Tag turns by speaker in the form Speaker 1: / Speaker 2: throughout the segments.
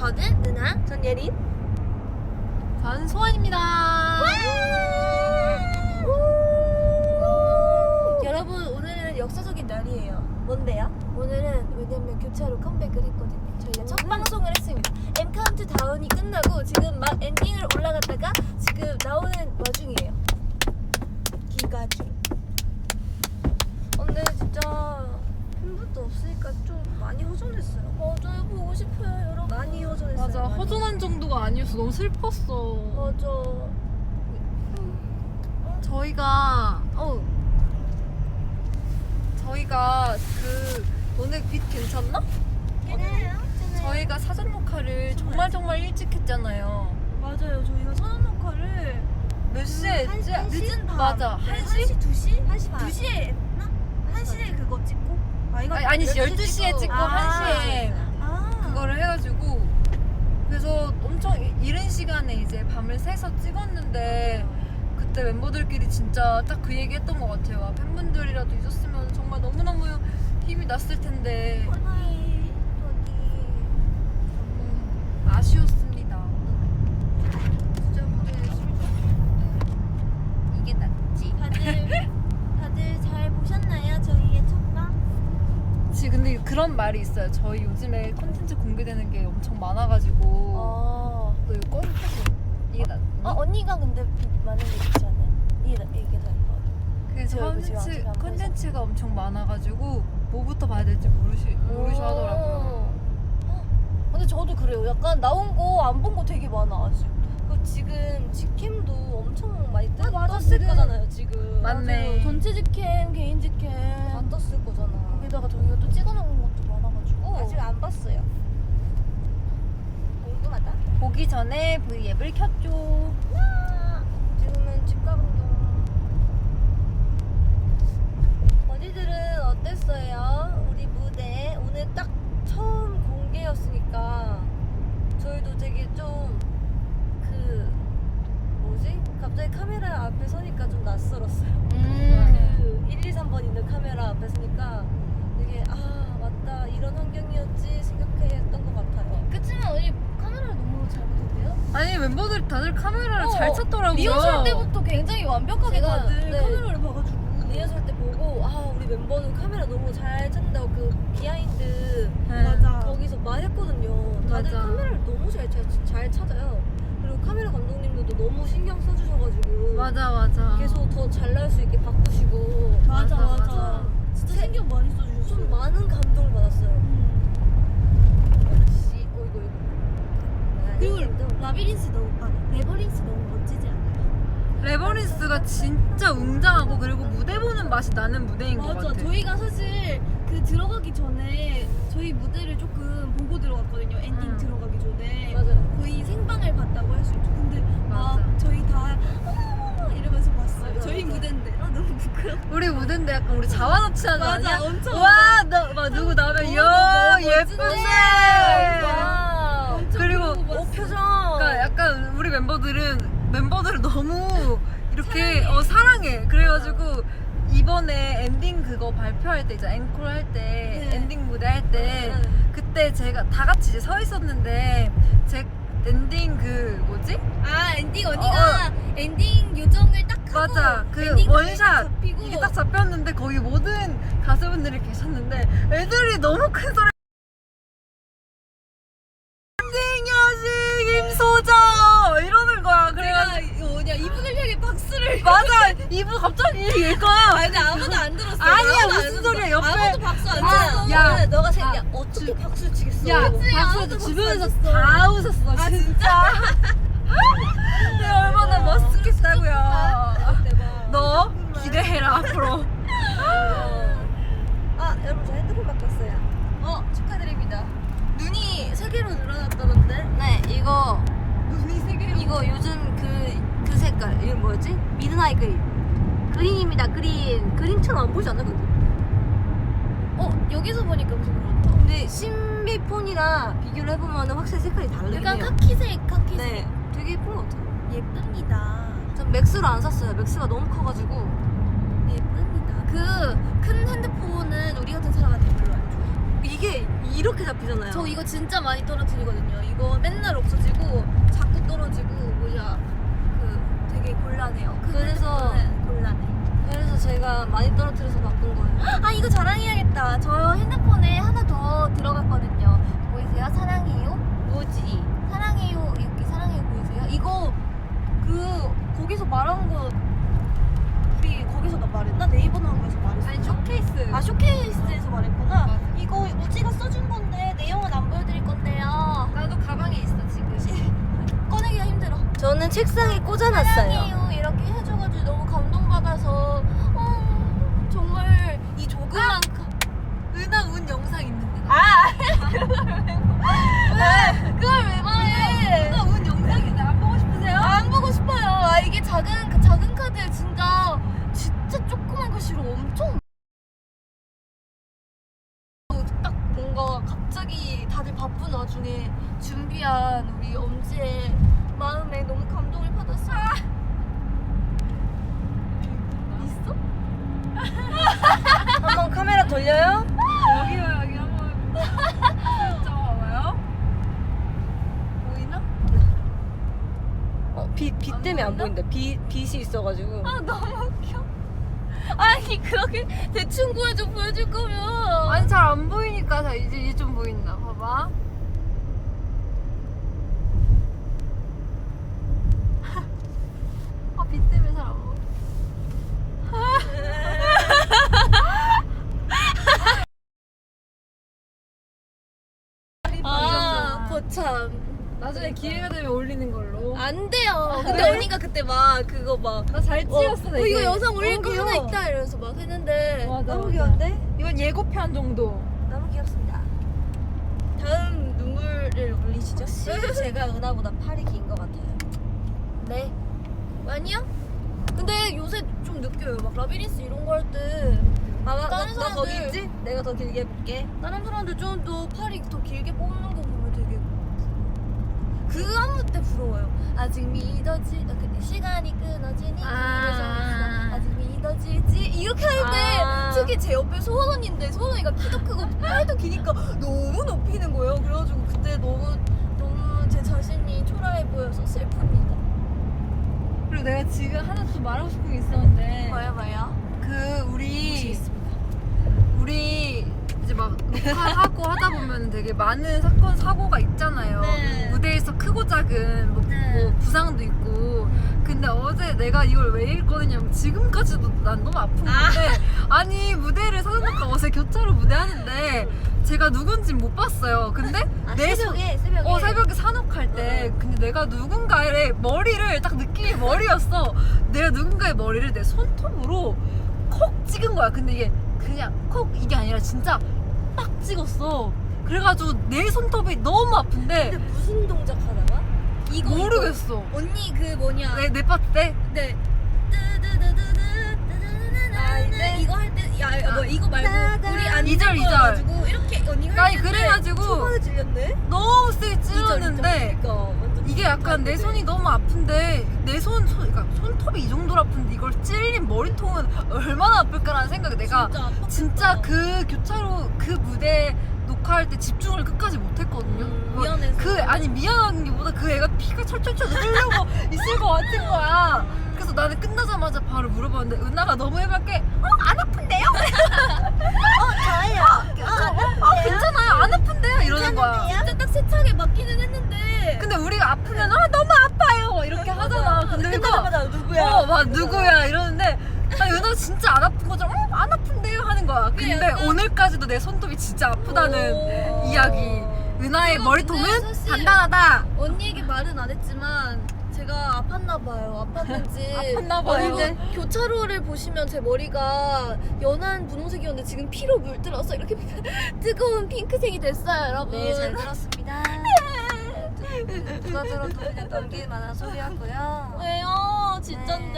Speaker 1: 저는 누나.
Speaker 2: 전 예린.
Speaker 3: 전 소원입니다.
Speaker 1: 여러분 오늘은 역사적인 날이에요.
Speaker 2: 뭔데요?
Speaker 1: 오늘은 왜냐면 교차로 컴백을 했거든요. 저희가 첫 방송을 했습니다. M카운트 다운이 끝나고 지금 막 엔딩을 올라갔다가 지금 나오는 와중이에요. 기가 중. 근데 진짜 팬분도 없으니까 좀 많이 허전했어요. 맞아요. 보고 싶어요 여러분. 많이 허전했어요.
Speaker 3: 맞아,
Speaker 1: 많이.
Speaker 3: 허전한 정도가 아니었어. 너무 슬펐어.
Speaker 1: 맞아.
Speaker 3: 저희가 그 너네 빛 괜찮나?
Speaker 1: 괜찮아요.
Speaker 3: 저희가 사전 녹화를 정말 일찍 했잖아요.
Speaker 1: 맞아요. 저희가 선언 녹화를
Speaker 3: 몇 시에 했지?
Speaker 1: 늦은 밤.
Speaker 3: 맞아.
Speaker 1: 네,
Speaker 3: 1시?
Speaker 1: 2시?
Speaker 2: 1시 반.
Speaker 1: 2시에 했나? 1시에 그거 찍고? 이거
Speaker 3: 아니 12시에 찍고
Speaker 1: 아.
Speaker 3: 1시에 그거를 해가지고 그래서 엄청 이른 시간에 이제 밤을 새서 찍었는데 그때 멤버들끼리 진짜 딱 그 얘기 했던 것 같아요. 아, 팬분들이라도 있었으면 정말 너무너무 힘이 났을 텐데 아쉬웠습니다.
Speaker 1: 진짜 무대 열심히 줬는데 이게 낫지. 다들 잘 보셨나요? 저희의 첫방?
Speaker 3: 근데 그런 말이 있어요. 저희 요즘에 콘텐츠 공개되는 게 엄청 많아가지고 너 이거 꺼내서 이게 낫
Speaker 1: 언니가 근데 많은 게 있지 않아요? 이게 더 이뻐요.
Speaker 3: 그래서 콘텐츠가 엄청 많아가지고 뭐부터 봐야 될지 모르셔 하더라고요.
Speaker 1: 근데 저도 그래요. 약간 나온 거 안 본 거 되게 많아 아직. 그 지금 직캠도 엄청 많이 떴을
Speaker 2: 지금.
Speaker 1: 거잖아요 지금.
Speaker 3: 맞네.
Speaker 1: 맞아요. 전체 직캠, 개인 직캠
Speaker 2: 다 떴을 거잖아.
Speaker 1: 거기다가 저희가 또 찍어놓은 것도 많아가지고
Speaker 2: 아직 안 봤어요. 궁금하다.
Speaker 3: 보기 전에 V앱을 켰죠.
Speaker 1: 지금은 집 가는 중. 언니들은 어땠어요? 우리 무대 오늘 딱 처음 공개였으니까 저희도 되게 좀 갑자기 카메라 앞에 서니까 좀 낯설었어요. 그 1, 2, 3번 있는 카메라 앞에 서니까 되게 맞다 이런 환경이었지 생각했던 것 같아요. 그치만 언니 카메라를 너무 잘 보던데요?
Speaker 3: 아니 멤버들 다들 카메라를 잘 찾더라고요.
Speaker 1: 리허설 때부터 굉장히 완벽하게
Speaker 2: 제가,
Speaker 1: 다들
Speaker 2: 네.
Speaker 1: 카메라를 봐가지고 리허설 때 보고 우리 멤버는 카메라 너무 잘 찾는다고 그 비하인드
Speaker 3: 네.
Speaker 1: 거기서 말했거든요. 다들
Speaker 3: 맞아.
Speaker 1: 카메라를 너무 잘 찾아요. 그리고 카메라 감독님들도 너무 신경 써주셔가지고
Speaker 3: 맞아.
Speaker 1: 계속 더 잘 나올 수 있게 바꾸시고
Speaker 3: 맞아.
Speaker 1: 진짜 신경 많이 써주셨어요. 좀 많은 감동을 받았어요. 역시
Speaker 2: 그리고 라비린스 레버린스 너무 멋지지 않아요?
Speaker 3: 레버린스가 진짜 웅장하고 그리고 무대 보는 맛이 나는 무대인 것 같아.
Speaker 4: 저희가 사실 그 들어가기 전에 저희 무대를 조금 보고 들어갔거든요. 엔딩 들어가기 전에
Speaker 1: 맞아요.
Speaker 4: 거의 생방을 봤다고 할 수 있죠. 근데
Speaker 3: 맞아.
Speaker 4: 저희 다 어머머머 이러면서 봤어요.
Speaker 1: 맞아,
Speaker 4: 저희
Speaker 1: 맞아.
Speaker 4: 무대인데 너무 부끄럽다.
Speaker 3: 우리 무대인데 약간 우리 자화자찬하지 않냐?
Speaker 4: 엄청
Speaker 3: 와, 막 누구 나오면 이야 예쁘네.
Speaker 1: 와.
Speaker 3: 그리고
Speaker 1: 표정.
Speaker 3: 그러니까 약간 우리 멤버들을 너무 이렇게 사랑해. 그래가지고 이번에 엔딩 그거 발표할 때 이제 앵콜 할 때 엔딩 무대 할 때 그때 제가 다 같이 이제 서 있었는데 제 엔딩 그 뭐지?
Speaker 4: 엔딩 언니가 엔딩 요정을 딱 하고
Speaker 3: 맞아. 그
Speaker 4: 엔딩
Speaker 3: 원샷
Speaker 4: 잡히고
Speaker 3: 이게 딱 잡혔는데 거기 모든 가수분들이 계셨는데 애들이 너무 큰 소리 엔딩 여신 김소정 이러는 거야. 그래가지고
Speaker 4: 이분을 향해 박수를
Speaker 3: 맞아. 이분 갑자기 이거야.
Speaker 4: 근데 아무도 안 들었어요.
Speaker 3: 아니야,
Speaker 4: 아무도
Speaker 3: 무슨
Speaker 4: 안 들었어.
Speaker 3: 소리야. 옆에
Speaker 4: 아무도 박수 안
Speaker 3: 아,
Speaker 4: 쳤어.
Speaker 3: 야.
Speaker 1: 너가
Speaker 3: 아,
Speaker 1: 어떻게 박수 치겠어?
Speaker 3: 야,
Speaker 4: 그치,
Speaker 3: 박수
Speaker 4: 아무도
Speaker 3: 주변에서
Speaker 4: 박수 안
Speaker 3: 다 웃었어. 진짜. 내가 얼마나 멋있겠다고요.
Speaker 1: 대박.
Speaker 3: 너 기대해라 앞으로.
Speaker 1: 여러분 저 핸드폰 바꿨어요.
Speaker 4: 축하드립니다.
Speaker 1: 눈이 3개로 늘어났다던데? 네,
Speaker 4: 눈이 세 개로.
Speaker 1: 이거 요즘 그 색깔 이거 뭐였지? 미드나잇 그린입니다. 그린처럼 안 보이지 않나 근데?
Speaker 4: 여기서 보니까 무슨 그렇다.
Speaker 1: 근데 신비폰이랑 비교를 해보면 확실히 색깔이 다르긴
Speaker 4: 약간
Speaker 1: 해요.
Speaker 4: 카키색.
Speaker 1: 네, 되게 예쁜 것 같아요.
Speaker 4: 예쁩니다.
Speaker 1: 전 맥스로 안 샀어요. 맥스가 너무 커가지고.
Speaker 4: 예쁩니다. 그 큰 핸드폰은 우리 같은 사람한테 별로 안 좋아요.
Speaker 1: 이게 이렇게 잡히잖아요.
Speaker 4: 저 이거 진짜 많이 떨어뜨리거든요. 이거
Speaker 2: 곤란해요.
Speaker 1: 그래서-
Speaker 2: 곤란해.
Speaker 1: 그래서 제가 많이 떨어뜨려서 바꾼 거예요.
Speaker 2: 아 이거 자랑해야겠다. 저 핸드폰에 하나 더 들어갔거든요. 보이세요? 사랑해요.
Speaker 1: 뭐지?
Speaker 2: 사랑해요. 이렇게 사랑해요 보이세요? 이거 거기서 말한 거 우리 거기서 나 말했나? 네이버 나온 거에서 말했어.
Speaker 3: 아니 쇼케이스.
Speaker 2: 아 쇼케이스에서 말했구나.
Speaker 3: 맞아.
Speaker 2: 이거 우지가 써준 건데 내용은 안 보여드릴 건데요.
Speaker 3: 나도 가방에 있어 지금.
Speaker 2: 꺼내기가 힘들어.
Speaker 1: 저는 책상에 꽂아놨어요.
Speaker 2: 사랑해요 이렇게 해줘가지고 너무 감동받아서 정말 이 조그만
Speaker 3: 은하 운 영상 있는데.
Speaker 2: 그걸 왜 말해?
Speaker 3: 은하 운 영상인데 안 보고 싶으세요?
Speaker 2: 안 보고 싶어요. 이게 작은 카드에 진짜 조그만 글씨로 엄청 딱 뭔가 갑자기 다들 바쁜 와중에 준비한 우리 엄지의 마음에 너무 감동을 받았어요. 있어?
Speaker 1: 한번 카메라 돌려요?
Speaker 3: 여기요 여기 한번 슬쩍 봐봐요. 보이나?
Speaker 1: 빛 때문에 안 보인다. 빛이 있어가지고.
Speaker 2: 아 너무 웃겨. 아니 그렇게 대충 보여줄 거면
Speaker 3: 아니 잘 안 보이니까 자 이제 좀 보인다. 봐봐. 빛 때문에 잘 안 보여.
Speaker 2: 거참
Speaker 3: 나중에 기회가 되면 올리는 걸로.
Speaker 2: 안 돼요. 근데
Speaker 1: 그래?
Speaker 2: 언니가 그때 막 그거 막
Speaker 3: 나 잘 찍었어. 되게.
Speaker 2: 이거 영상 올릴 거
Speaker 1: 너무
Speaker 2: 하나
Speaker 1: 귀여워.
Speaker 2: 있다 이러면서 막 했는데
Speaker 3: 맞아,
Speaker 1: 너무
Speaker 3: 맞아.
Speaker 1: 귀여운데?
Speaker 3: 이건 예고편 정도.
Speaker 1: 너무 귀엽습니다.
Speaker 2: 다음 눈물을 올리시죠?
Speaker 1: 확실히 제가 은하보다 팔이 긴 것 같아요.
Speaker 2: 네. 아니야? 근데 요새 좀 느껴요. 막 라비린스 이런 거 할 때
Speaker 1: 봐봐,
Speaker 2: 다른
Speaker 1: 너 거기
Speaker 2: 사람들-
Speaker 1: 있지? 내가 더 길게 해볼게.
Speaker 2: 다른 사람들 좀 더 팔이 더 길게 뽑는 거 보면 되게 그 안무 때 부러워요. 아직 믿어지 시간이 끊어지니 그래서 아직 믿어지지 이렇게 할 때
Speaker 1: 아.
Speaker 2: 특히 제 옆에 소원 언니인데 소원 언니가 키도 크고 팔도 기니까 너무 높이는 거예요. 그래가지고 그때 너무 제 자신이 초라해 보여서 슬픕니다.
Speaker 3: 그리고 내가 지금 하나 또 말하고 싶은 게 있었는데.
Speaker 2: 뭐야?
Speaker 3: 그 우리 이제 막 녹화하고 하다 보면 되게 많은 사건 사고가 있잖아요.
Speaker 2: 네.
Speaker 3: 무대에서 크고 작은 뭐,
Speaker 2: 네.
Speaker 3: 뭐 부상도 있고. 근데 어제 내가 이걸 왜 읽거든요. 지금까지도 난 너무 아픈 건데 아니 무대를 사전녹화 어제 교차로 무대하는데 제가 누군진 못 봤어요. 근데 내
Speaker 1: 새벽에
Speaker 3: 새벽에 산옥할 때 근데 내가 누군가의 머리를 딱 느낌이 머리였어. 내가 누군가의 머리를 내 손톱으로 콕 찍은 거야. 근데 이게 그냥 콕 이게 아니라 진짜 빡 찍었어. 그래가지고 내 손톱이 너무 아픈데
Speaker 1: 근데 무슨 동작 하다가?
Speaker 2: 이거
Speaker 3: 모르겠어.
Speaker 2: 언니 그 뭐냐?
Speaker 3: 내 파트 때
Speaker 2: 네.
Speaker 1: 아, 이때?
Speaker 2: 이거 할 때 뭐 이거 말고 우리 안
Speaker 3: 이절, 이절.
Speaker 2: 가지고 이렇게 언니 할
Speaker 3: 아니
Speaker 2: 때
Speaker 3: 그래가지고
Speaker 1: 초반에 질렸네?
Speaker 3: 너무 세게 찔렀는데
Speaker 1: 그러니까 완전
Speaker 3: 이게 약간 내 손이 너무 아픈데 내 그러니까 손톱이 이 정도로 아픈데 이걸 찔린 머리통은 얼마나 아플까라는 생각이 내가 진짜 그 교차로 그 무대 녹화할 때 집중을 끝까지 못했거든요. 뭐
Speaker 2: 미안해서.
Speaker 3: 아니 미안한 게 보다 그 애가 피가 철철철 흐르고 있을 것 같은 거야. 그래서 나는 끝나자마자 바로 물어봤는데 은하가 너무 해맑게 안 아픈데요?
Speaker 1: 저예요.
Speaker 3: 괜찮아요 안 아픈데요? 이러는 거야.
Speaker 2: 진짜 딱 세차게 맞기는 했는데
Speaker 3: 근데 우리가 아프면 너무 아파요 이렇게 하잖아. 근데 은하
Speaker 1: 끝나자마자 누구야?
Speaker 3: 막 누구야 이러는데 아니 은하 진짜 안 아픈 거잖아. 안 아픈데요 하는 거야. 근데
Speaker 2: 약간-
Speaker 3: 오늘까지도 내 손톱이 진짜 아프다는
Speaker 2: 오.
Speaker 3: 이야기. 은하의
Speaker 2: 이거
Speaker 3: 머리통은
Speaker 2: 근데 사실-
Speaker 3: 단단하다.
Speaker 2: 언니에게 말은 안 했지만 제가 아팠나 봐요. 아팠는지.
Speaker 3: 아팠나 봐요.
Speaker 2: 그리고 교차로를 보시면 제 머리가 연한 분홍색이었는데 지금 피로 물들어서 이렇게 뜨거운 핑크색이 됐어요, 여러분.
Speaker 1: 네, 잘 들었습니다. 누가 들어도 그냥 넘길 만한 소리였고요.
Speaker 2: 왜요? 진짠데.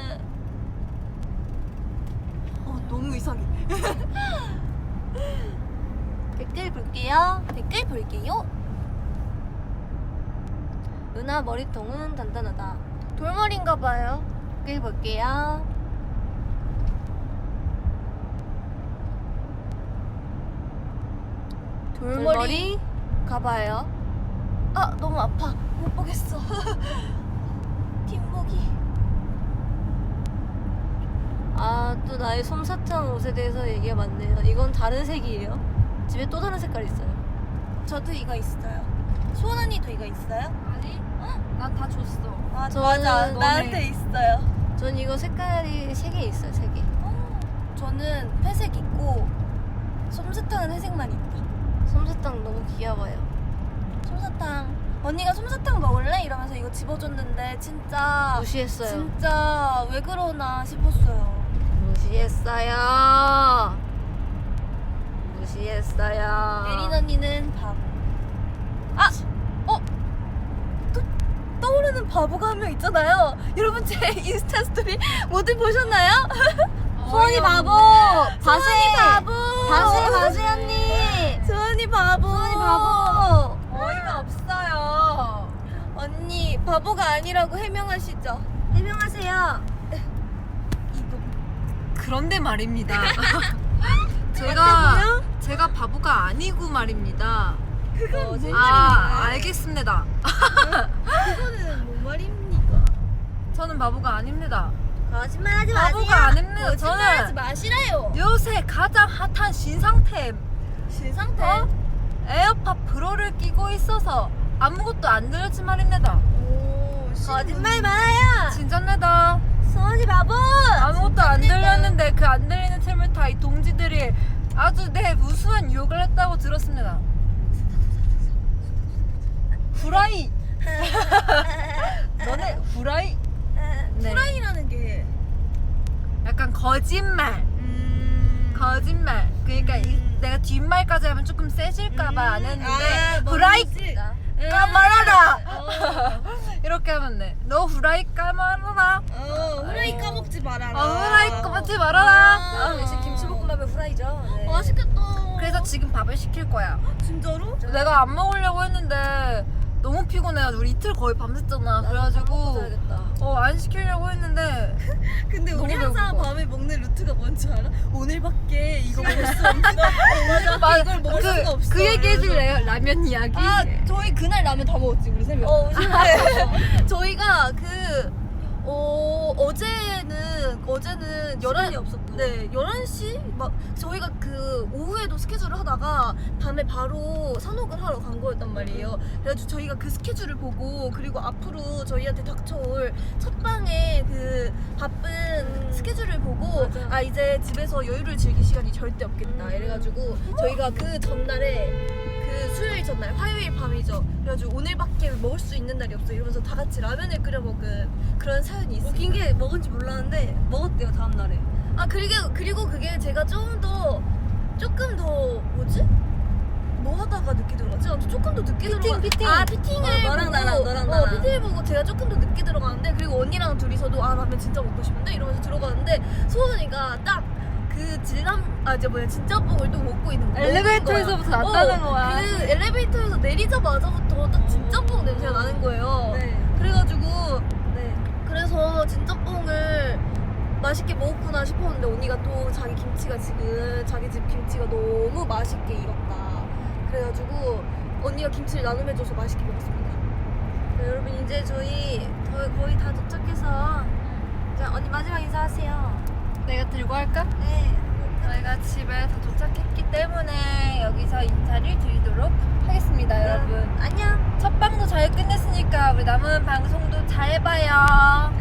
Speaker 2: 너무 이상해.
Speaker 1: 댓글 볼게요.
Speaker 2: 댓글 볼게요.
Speaker 1: 은하 머리통은 단단하다.
Speaker 2: 돌머리인가 봐요.
Speaker 1: 댓글 볼게요.
Speaker 2: 돌머리 가봐요. 아 너무 아파. 못 보겠어. 뒷목이.
Speaker 1: 아, 또 나의 솜사탕 옷에 대해서 얘기가 많네요. 이건 다른 색이에요. 집에 또 다른 색깔이 있어요.
Speaker 2: 저도 이거 있어요. 소원 언니도 이거 있어요?
Speaker 3: 아니, 난 다 줬어.
Speaker 2: 아
Speaker 1: 저는
Speaker 2: 맞아.
Speaker 1: 너네.
Speaker 2: 나한테 있어요.
Speaker 1: 전 이거 색깔이 3개 있어요. 3개.
Speaker 2: 저는 회색 있고 솜사탕은 회색만 있다.
Speaker 1: 솜사탕 너무 귀여워요.
Speaker 2: 솜사탕. 언니가 솜사탕 먹을래? 이러면서 이거 집어줬는데 진짜
Speaker 1: 무시했어요.
Speaker 2: 진짜 왜 그러나 싶었어요.
Speaker 1: 무시했어요. 무시했어요.
Speaker 2: 예린 언니는 바보. 아! 또 떠오르는 바보가 한 명 있잖아요. 여러분 제 인스타 스토리 모두 보셨나요?
Speaker 1: 소원이 바보.
Speaker 2: 소원이 바보.
Speaker 1: 바세 언니.
Speaker 2: 소원이 바보.
Speaker 1: 소원이 바보.
Speaker 3: 어이가 없어요.
Speaker 2: 언니 바보가 아니라고 해명하시죠.
Speaker 1: 해명하세요.
Speaker 3: 그런데 말입니다.
Speaker 2: 맞다고요?
Speaker 3: 제가 바보가 아니고 말입니다.
Speaker 2: 그건 뭔
Speaker 3: 알겠습니다.
Speaker 2: 그거는 뭔 말입니까?
Speaker 3: 저는 바보가 아닙니다.
Speaker 1: 거짓말하지
Speaker 3: 바보가 아닙니다.
Speaker 2: 거짓말하지
Speaker 3: 저는
Speaker 2: 마시라요.
Speaker 3: 요새 가장 핫한 신상템
Speaker 2: 신상태.
Speaker 3: 에어팟 프로를 끼고 있어서 아무것도 안 들렸지 말입니다.
Speaker 2: 오,
Speaker 1: 거짓말 말아요.
Speaker 3: 진짜입니다.
Speaker 1: 소원이 바보.
Speaker 3: 아무것도 안 들렸는데 그 안 들리는 틈을 타 이 동지들이 아주 무수한 유혹을 했다고 들었습니다. 후라이. 너네 후라이. 네.
Speaker 2: 프라이라는 게
Speaker 3: 약간 거짓말. 거짓말. 그러니까 내가 뒷말까지 하면 조금 세질까봐 안 했는데 후라이 까말아라. 이렇게 하면 돼. 너 후라이 까말아라.
Speaker 2: 후라이 까먹지 말아라.
Speaker 3: 후라이 까먹지 말아라.
Speaker 1: 아, 역시 김치볶음밥의 후라이죠. 네.
Speaker 2: 맛있겠다.
Speaker 3: 그래서 지금 밥을 시킬 거야.
Speaker 2: 진짜로?
Speaker 3: 내가 안 먹으려고 했는데 너무 피곤해가지고 우리 이틀 거의 밤샜잖아. 그래가지고 안 시키려고 했는데
Speaker 2: 근데 우리
Speaker 3: 너무
Speaker 2: 항상
Speaker 3: 배고파.
Speaker 2: 밤에 먹는 루트가 뭔지 알아? 오늘밖에 이거 먹을 수 없는
Speaker 3: 맞아.
Speaker 2: 이걸 먹을 수가 없어.
Speaker 3: 그 얘기 해줄래요? 라면 이야기.
Speaker 2: 아 저희 그날 라면 다 먹었지 우리 세 명. 저희가 어제는
Speaker 1: 시간이 없었고.
Speaker 2: 네 11시 막 저희가 그 오후에도 스케줄을 하다가 밤에 바로 산옥을 하러 간 거였단 말이에요. 그래가지고 저희가 그 스케줄을 보고 그리고 앞으로 저희한테 닥쳐올 첫 방의 그 바쁜 스케줄을 보고
Speaker 1: 맞아.
Speaker 2: 아 이제 집에서 여유를 즐길 시간이 절대 없겠다 이래가지고 저희가 그 전날에 그 수요일 전날 화요일 밤이죠. 그래가지고 오늘밖에 먹을 수 있는 날이 없어 이러면서 다 같이 라면을 끓여 먹은 그런 사연이 있어요.
Speaker 1: 웃긴 게 먹은지 몰랐는데 먹었대요 다음 날에.
Speaker 2: 아 그리고 그게 제가 조금 더 뭐지? 뭐 하다가 늦게 들어갔지? 아무튼 조금 더 늦게
Speaker 1: 피팅.
Speaker 2: 아 피팅을
Speaker 1: 너랑
Speaker 2: 보고
Speaker 1: 나랑 나랑.
Speaker 2: 피팅을 보고 제가 조금 더 늦게 들어가는데 그리고 언니랑 둘이서도 아 라면 진짜 먹고 싶은데 이러면서 들어가는데 소은이가 딱 그 진짜 뽕을 또 먹고 있는 거야.
Speaker 3: 엘리베이터에서부터 났다는 거야.
Speaker 2: 그 엘리베이터에서 내리자마자부터 딱 진짜 뽕 냄새가 나는 거예요.
Speaker 1: 네.
Speaker 2: 그래가지고
Speaker 1: 네.
Speaker 2: 그래서 진짜뽕을 맛있게 먹었구나 싶었는데 언니가 또 자기 김치가 지금 자기 집 김치가 너무 맛있게 익었다 그래가지고 언니가 김치를 나눔해줘서 맛있게 먹었습니다.
Speaker 1: 네, 여러분 이제 저희 거의 다 도착해서 이제 언니 마지막 인사하세요.
Speaker 3: 내가 들고 할까?
Speaker 1: 네.
Speaker 3: 저희가 집에 다 도착했기 때문에 여기서 인사를 드리도록 하겠습니다, 여러분.
Speaker 1: 안녕.
Speaker 3: 첫 방도 잘 끝냈으니까 우리 남은 방송도 잘 봐요.